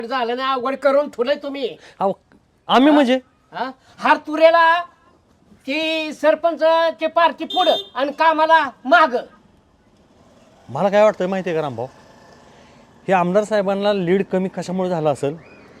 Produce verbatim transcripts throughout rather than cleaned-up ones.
झालं ना अवघड करून ठेवलंय तुम्ही. अहो आम्ही म्हणजे हा हार तुरेला ती सरपंच ची पार्टी पुढं आणि कामाला माग. मला काय वाटतं माहिती आहे का रामभाऊ, हे आमदार साहेबांना लीड कमी कशामुळे झालं असेल?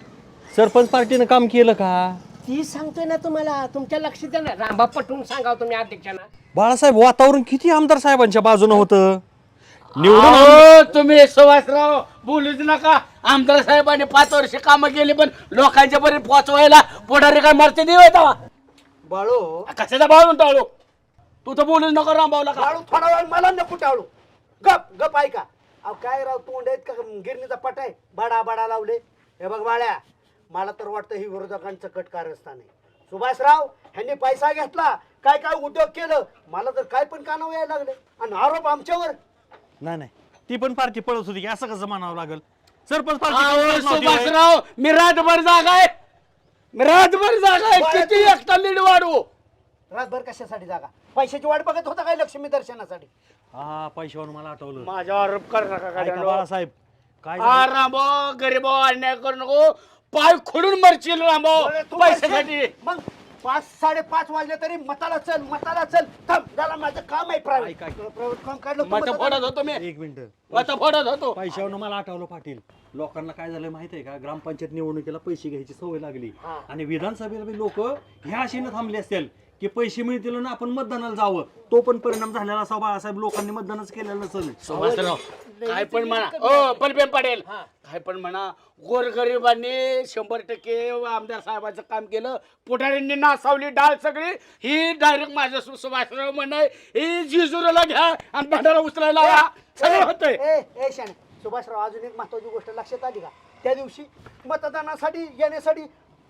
सरपंच पार्टीनं काम केलं का? ती सांगतोय ना तुम्हाला, तुमच्या लक्षात आहे ना. रामबा पटवून सांगा तुम्ही अध्यक्षांना. बाळासाहेब वातावरण किती आमदार साहेबांच्या बाजूनं होतं. निवडून अहो, तुम्ही सुभाषराव बोलूच नका. आमदार साहेबांनी पाच वर्ष कामं केली पण लोकांच्या पर्यंत पोहोचवायला पुढारी काय मरते देवा बाळू कशाचा बाळून टाळू. तू तर बोलूच नको रामभाऊला का. बाळू थोडा वेळ मला नको टाळू. गप गप ऐका. अहो काय राव तोंड आहेत का गिरणीचा पट आहे, बडा बडा लावले. हे बघ बाळ्या, मला तर वाटतं ही विरोधकांचं कट कारस्थान आहे. सुभाषराव ह्यांनी पैसा घेतला, काय काय उद्योग केलं, मला तर काय पण कानावर यायला लागले आणि आरोप आमच्यावर. नाही नाही ती पण पार्टी पळत होती की असं कसं म्हणावं लागेल? सरपंच अहो, पार्टी सुभाषराव मी रातभर जागा आहे. मी रातभर जागा आहे. किती एकटा लीड वाढू. रातभर कशासाठी जागा? पैशाची वाट बघत होता काय लक्ष्मी दर्शनासाठी? हा पैशावर मला आठवलं. माझ्यावर आरोप कर नका ऐका काय बाळासाहेब काय हा रामभाऊ गरीबावर अन्याय करू नको. पाय खोडून मरशील रामभाऊ बरं, तू पैशासाठी. पैसे- मग पाच साडेपाच वाजले तरी मताला चल मताला चल. थांब जरा माझं काम आहे प्रायव्हेट ऐका, ऐका. प्रायव्हेट काम काढलं तू मत मताला- फोडत होतो मी. एक मिनिट. मत फोडत होतो. पैशावर मला आठवलं पाटील, लोकांना काय झालं माहिती आहे का, ग्रामपंचायत निवडणुकीला पैसे घ्यायची सवय लागली हा. आणि विधानसभेला लोक ह्या आशेनं थांबले असतील की पैसे मिळतील ना आपण मतदानाला जावं. तो पण परिणाम झालेला असा बाळासाहेब, लोकांनी मतदानच केलेलं नसेल. सुभाषराव काय पण म्हणा ओ बलबेन पडेल काय पण म्हणा, गोरगरिबांनी शंभर टक्के आमदार साहेबांचं काम केलं. पुढाऱ्यांनी नासावली डाळ सगळी. ही डायरेक्ट माझं सु- सुभाषराव म्हणाय ही जिजुराला घ्या आणि भांडारा उचलायला लावा. सगळं होतंय. ए ए शाने सुभाषराव, अजून एक महत्वाची गोष्ट लक्षात आली का? त्या दिवशी मतदानासाठी येण्यासाठी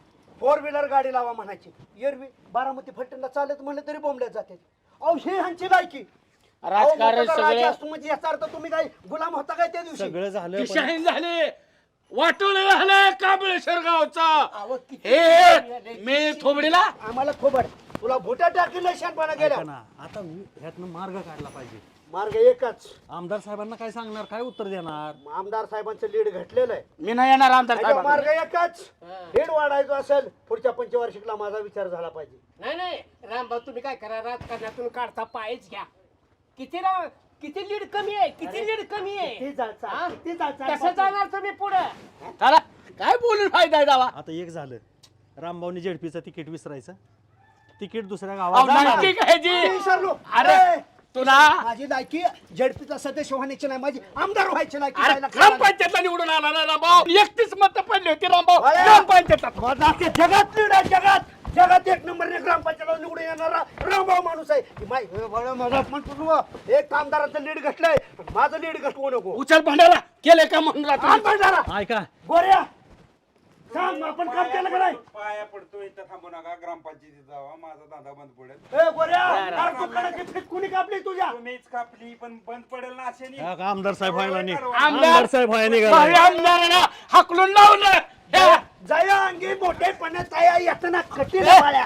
फोर व्हीलर गाडी लावा म्हणायची. एरवी बारामती फलटणला चालत म्हणलं तरी बोंबल्यात जाते. अहो हे ह्यांची लायकी. राजकारण सगळं म्हणजे याचा अर्थ तुम्ही काय गुलाम होता काय त्या दिवशी? सगळं झालं पण- दिशाहीन झाले. वाटोळ झालं काबळेश्वर गावचा. अहो, किती- हे मी थोबडीला आम्हाला खोबड तुला भोट्या टाकील शानपणा गेल्या. ऐका ना, आता ह्यातनं मार्ग काढला पाहिजे. मार्ग एकच. आमदार साहेबांना काय सांगणार, काय उत्तर देणार? आमदार साहेबांचं लीड घटलेलं आहे. मी नाही येणार आमदार त्याचा साहेब. मार्ग एकच. लीड वाढायचं असेल पुढच्या पंचवार्षिकला माझा विचार झाला पाहिजे. नाही नाही रामभाऊ तुम्ही काय करा, राजकारणातून काढता पायच घ्या. किती राव किती लीड कमी आहे, किती लीड कमी आहे. किती जायचं हा? किती जायचं कसं जाणार तुम्ही पुढे? चला काय बोलून फायदा आहे दावा. आता एक झालं, रामभाऊनी जेडपीचं तिकीट विसरायचं, तिकीट दुसऱ्या अहो, गावात जाणार. नक्की काय जी मी विसरलो. अरे ए, तुला माझी लायकी झेडपीचा सदस्य होण्याची नाही, माझी आमदार व्हायची लायकी. अरे व्हायला खायला. ग्रामपंचायतला निवडून आला ना रामभाऊ. एकतीस मत पडली होती रामभाऊ अरे. ग्रामपंचायतात. माझा अख्ख्या जगात लीड आहे, जगात जगात एक नंबरने ग्रामपंचायतला निवडून येणारा रामभाऊ माणूस आहे. ही माय- हे बघा, माझा अपमान करू नका. एक आमदाराचं लीड घटलंय, माझं लीड घटवू नको. उचल भांडारा केले का म्हणून आण राहतो. भंडारा. ऐका गोऱ्या सांग आपण काम केलं का नाही? पाया पडतो इथं थांबू नका. ग्रामपंचायतीत जावा, माझा धंदा बंद पडेल. ए गोऱ्या अरे दुकानाची फीत कुणी कापली तुझ्या? तुम्हीच कापली पण बंद पडेल ना असे हा का आमदार साहेब व्हायला नाही, आमदार आमदार साहेब व्हायला भावी निघाला. आमदाराला हाकलून लावलं. हे, जया अंगी मोठेपणे तया येताना कठीण वाळ्या.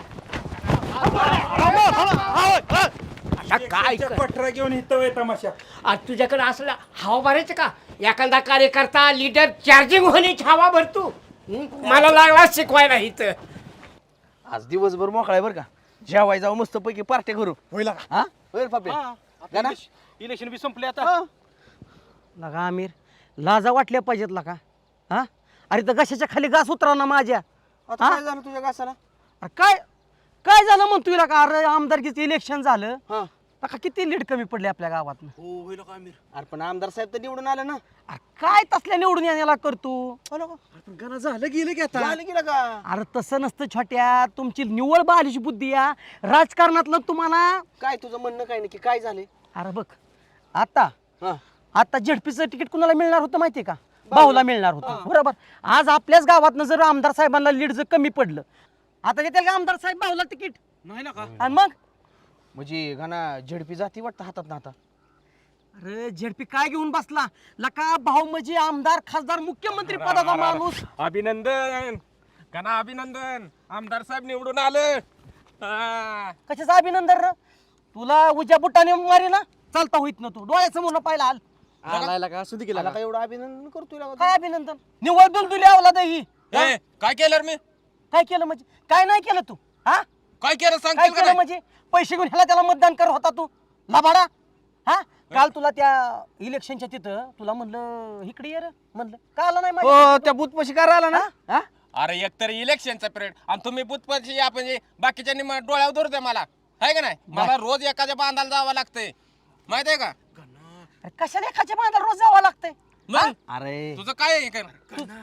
आता काय कर- पठरा घेऊन इथं होय तमाशा. आज तुझ्याकडे असलं हवा भरायचं का? एखादा कार्यकर्ता लीडर चार्जिंग होण्याची हवा भरतो. हं? मला लागला शिकवायला इथं. आज दिवसभर मोकळा आहे बरं का. जेवाय जाऊ मस्त पैकी पार्ट्या करू. होईल हा होईल पापे. इलेक्शन बी संपले आता. लगा आमिर लाजा वाटल्या पाहिजेत लका. हा अरे तर कशाच्या खाली घास उतरा ना माझ्या. आता काय झालं तुझ्या घासाला? अरे काय काय झालं म्हणतोय लका? अरे आमदारकीचं इलेक्शन झालं हा लका, किती लीड कमी पडले आपल्या गावात. हो होईल का आमिर? अरे पण आमदार साहेब तर निवडून आले ना. अरे काय तसल्या निवडून येण्याला करतो? पण गणा झालं गेलं की आता झालं गेलं का? अरे तसं नसतं छोट्या, तुमची निव्वळ बालिश बुद्धी या राजकारणातलं तुम्हाला. काय तुझं म्हणणं काय नक्की काय झाले? अरे बघ आता हा आता झेडपीचं तिकीट कुणाला मिळणार होतं माहितीये का? भाऊला मिळणार होतं बरोबर. आज आपल्याच गावातनं जर आमदार साहेबांना लीड जर कमी पडलं, आता देतील का आमदार साहेब भाऊला तिकीट? नाही ना का? आणि मग म्हणजे गणा झेडपी जाती वाटतं हातात ना आता. अरे झेडपी काय घेऊन बसला लका? भाऊ म्हणजे आमदार खासदार मुख्यमंत्री पदाचा माणूस. अभिनंदन कना अभिनंदन. आमदार साहेब निवडून आलं. हा. कशाचं अभिनंदन र? तुला उज्या बुटाने मारी ना चालता होईत ना, तू डोळ्यासमोर पाहिला हाल. आलायला का असू दे केला का एवढं अभिनंदन करतोय काय अभिनंदन निवड दुलदुली आवला ही ए, काय केलं रे मी काय केलं म्हणजे काय नाही केलं तू हा काय केलं काय सांगतील का केलं नाही? म्हणजे पैसे घेऊन ह्याला त्याला मतदान कर होता तू लबाडा हा काल तुला त्या इलेक्शनच्या तिथं तुला म्हणलं इकडे ये रे म्हणलं का आला नाही हो त्या बूथ पशी काय आला ना हा? अरे एकतर इलेक्शनचा पिरियड आणि तुम्ही बुथपशी आपण जे बाकीच्यांनी म- डोळ्यावर धरतोय मला आहे का नाही मला रोज एखाद्या बांधायला जावं लागतंय माहित आहे का अरे कशाला एखाद्या बांधाला रोज जावं लागतंय मग अरे तुझं काय आहे काय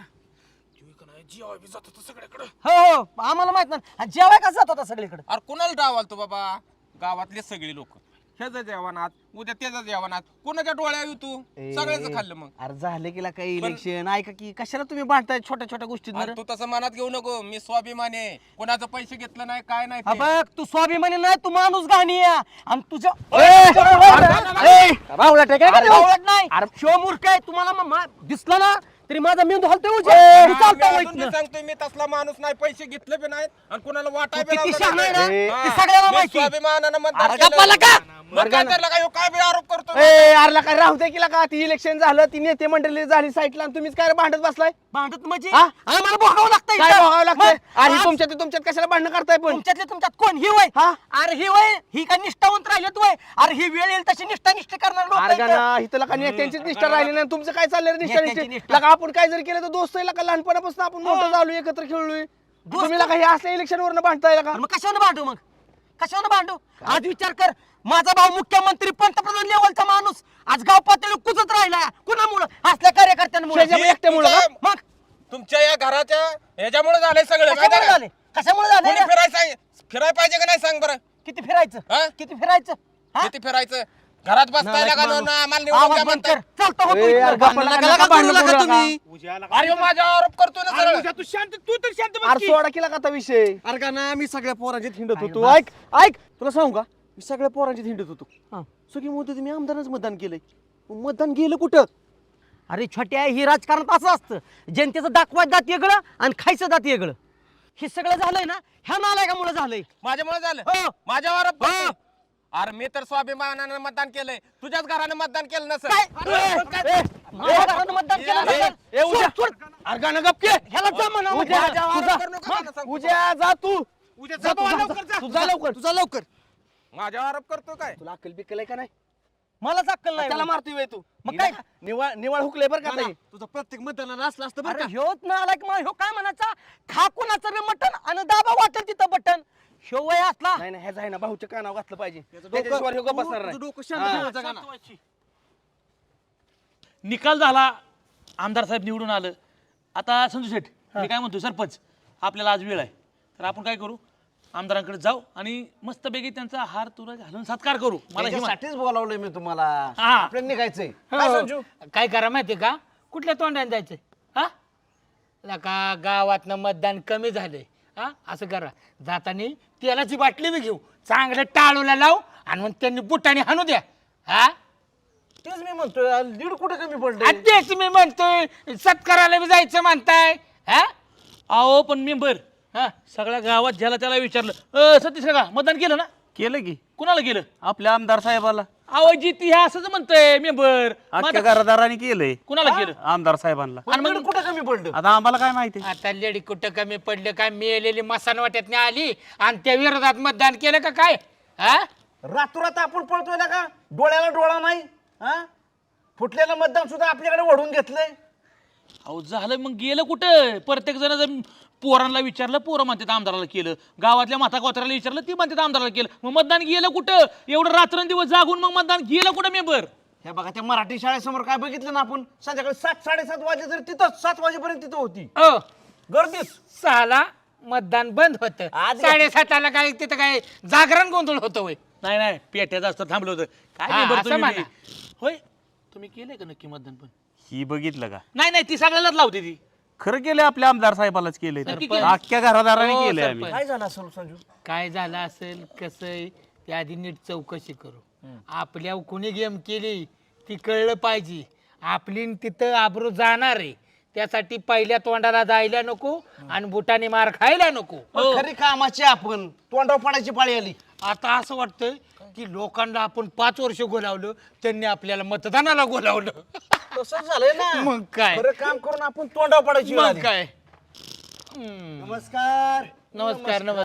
सगळ्याकडे हो हो आम्हाला माहित नाही जेवाय का जात होता सगळीकडे अरे कुणाला डावाल तू बाबा गावातले सगळे लोक ह्याचं जेवणात उद्या त्याचं जेवणात कुणाच्या डोळ्या येऊ तू सगळ्याच खाल्लं मग अरे झाले की काही इलेक्शन ऐका की कशाला तुम्ही भांडताय छोट्या छोट्या गोष्टीत अरे तू तसं मनात घेऊ नको मी स्वाभिमानी आहे कोणाचं पैसे घेतलं नाही काय नाही हा ते. बघ तू स्वाभिमानी नाही तू माणूस घाणी आहे. आणि तुझ्या राहुला टेक अरे आवडत नाही शिव मूर्ख आहे तुम्हाला म- मा- दिसला ना तरी माझा मेंदू हलतोय उलटा. हा, तू चालता मी वाईट अजून ना. बी सांगतोय मी तसला माणूस नाही पैसे घेतले बी नाहीत आणि कुणाला वाटाय बी तू किती लावलं शहाणा आहे नाही. ना? हा. ते सगळ्याला मी माहिती. स्वाभिमानानं मतदान अरे केलं. गप्पाला का? मग काय त्याला काय ह्यो काय बी आरोप करतो ए अरला काय राहू दे की का ती इलेक्शन झालं ती नेते मंडळी झाली साईडला आणि तुम्हीच काय भांडत बसलाय भांडत म्हणजे हा? आम्हाला भोगावं लागतंय काय इथं. बघावं लागतंय मग अरे आज तुमच्यात तुमच्यात कशाला भांडणं करताय पण तुमच्यातले तुमच्यात कोण ही वय हा? अरे ही वय ही काय निष्ठावंत राहिलेत वय अरे ही वेळ येईल तशी निष्ठा निष्ठा करणार लोकं अरे इथं. गाना इथं लका नेत्यांचीच निष्ठा राहिली नाही तुमचं काय चाललंय रे निष्ठा नेत्यांची निष्ठा निष्ठा. लका आपण काय जरी केलं तर दोस्त आहे लका लहानपणापासून आपण मोठं झालो एकत्र खेळलोय तुम्ही लका हे असल्या इलेक्शन वरनं भांडताय लका अरे मग कशावर भांडू मग कशावर भांडू आज विचार कर माझा भाऊ मुख्यमंत्री पंतप्रधान लेवलचा माणूस आज गाव पातळी कुजत राहिला कुणामुळं असल्या कार्यकर्त्यांमुळे शेजारी एकट्यामुळं का? मग तुमच्या या घराच्या ह्याच्यामुळे झालंय सगळं कशामुळे माहिती आहे झाले कशामुळे का? कोणी झाले फिरायचं आहे? फिरायला पाहिजे का नाही सांग बरं किती फिरायचं हा? किती फिरायचं हा? किती फिरायचं घरात बसताय नालायक का माणूस. ना आम्हाला निवडून आवाज द्या बंद म्हणताय. कर. चालतं होतं ए, इथं. यार, गप्पा भांडण नका नका भांडण करू करू नका नका. तुम्ही. अरे माझा आरोप करतोय ना सरळ तू शांत तू तर शांत अरे सोडा केला का आता विषय अरे का ना मी सगळ्या पोरांच्यात हिंडत होतो ऐक ऐक तुला सांगू का मी सगळ्या पोरांच्यात हिंडत होतो हा. सगळी म्हणत होती मी आमदारच मतदान केलंय मग मतदान गेलं कुठं अरे छोट्या ही राजकारणात असं असतं जनतेचं दाखवायचं दात वेगळं आणि खायचं दात वेगळं हे सगळं झालंय ना ह्या नालायकामुळे झालंय माझ्यामुळे झालं हो. माझ्यावर आरोप करतोय. अरे मी तर स्वाभिमानानं मतदान केलंय तुझ्याच घरानं मतदान केलं नसेल काय माझ्या घरानं मतदान केलं नसेल. ए, उद्या. सोड, सोड. अरे गाणं गप के ह्याला जा म्हणा मग. उद्या. तुझा- आरोप करू नका मला सांगतो. उद्या जा तू उद्या जा जा तू, बाबा, जा, लवकर जा. जा. तू जा लवकर तुझा लवकर माझ्यावर आरोप करतो काय तुला अक्कल बिक्कल आहे का नाही मला अक्कल नाही त्याला मारतोय बे तू मग काय? निवाळ निवाळ हुकले बरं का ताई? तुझं प्रत्येक मतदानाला असलं असतं अरे ह्योच ना आला की मग ह्यो काय म्हणायचा खा कुणाचं बी मटण आणि दाबा वाटेल तिथं बटन ह्यो वय असला नाही नाही ह्याचा आहे ना भाऊच्या कानावर घातलं पाहिजे त्याच्याशिवाय ह्यो गप्प बसणार नाही डोकं शांत हा. ठेवायचं का ना? निकाल झाला आमदार साहेब निवडून आलं आता संजू शेठ मी काय म्हणतो सरपंच आपल्याला आज वेळ आहे तर आपण काय करू आमदारांकडे जाऊ आणि मस्तपैकी त्यांचा हार तुरा घालून सत्कार करू मला ही मा- त्याच्यासाठीच बोलावलंय मी तुम्हाला हा. आपल्याला निघायचंय काय संजू काय करा माहिती का कुठल्या तोंडाने जायचं हा लका गावातनं मतदान कमी झालंय हा असं करा जाताना तेलाची बाटली बी घेऊ चांगलं टाळूला लावू आणि मग त्यांनी बुटाने हाणू द्या हा तेच मी म्हणतोय लीड कुठे कमी आणि पडले तेच मी म्हणतोय सत्काराला बी जायचं म्हणताय हा अहो पण मेंबर हा सगळ्या गावात ज्याला त्याला विचारलं अ सतीश काका मतदान केलं ना केलं की कुणाला केलं आपल्या आमदार साहेबाला अहो जिती हे असंच म्हणतोय मेंबर अख्ख्या घरदाराने केलंय कुणाला केलं आमदार साहेबांना आणि मग कुठे कमी पडलं आता आम्हाला काय माहिती आता लेडी कुठं कमी पडलं काय मेलेली मसान वाट्यात आली आणि त्या विरोधात मतदान केलं का काय हा रातोरात आपण पळतोय ना का डोळ्याला डोळा नाही हा फुटलेलं मतदान सुद्धा आपल्याकडे ओढून घेतलंय अहो झालं मग गेलं कुठं प्रत्येक जण जर पोरांना विचारलं पोरं म्हणतात आमदाराला केलं गावातल्या माता कोत्राला विचारलं ती म्हणतात आमदाराला केलं मग मतदान गेलं कुठं एवढं रात्रंदिवस जागून मग मतदान गेलं कुठं मेंबर हे बघा त्या मराठी शाळेसमोर काय बघितलं ना आपण संध्याकाळी सात साडेसात वाजे तरी तिथं सात वाजेपर्यंत तिथं होती ओ गर्दीच सहाला मतदान बंद होतं आज- साडेसाताला काय तिथं काय जागरण गोंधळ होतं होय नाही नाही पेट्याचं असतं थांबलं होतं काय हा, मेंबर असं तुम्ही म्हणा. बी? होय तुम्ही केलंय का नक्की मतदान पण ही बघितलं का नाही नाही ती सगळ्यालाच लावते ती खरं केलंय आपल्या आमदार साहेबालाच केलंय तर. नक्की केलं. अख्ख्या घरादाराने हो, केलंय सरपंच. आम्ही काय झालं असं संजू काय झालं असेल कसं त्या आधी नीट चौकशी करू आपल्या कुणी गेम केली ती कळलं पाहिजे आपली न तिथं आबरू जाणार आहे त्यासाठी पहिल्या तोंडाला जायला नको आणि बुटाने मार खायला नको पण खरी कामाची आपण तोंडावर पडायची पाळी आली आता असं वाटतंय की लोकांना आपण पाच वर्ष गोलावलं त्यांनी आपल्याला मतदानाला गोलावलं तसंच झालंय ना मग काय खरं काम करून आपण तोंडावर पडायची वेळ मग आली. काय नमस्कार नमस्कार नमस्कार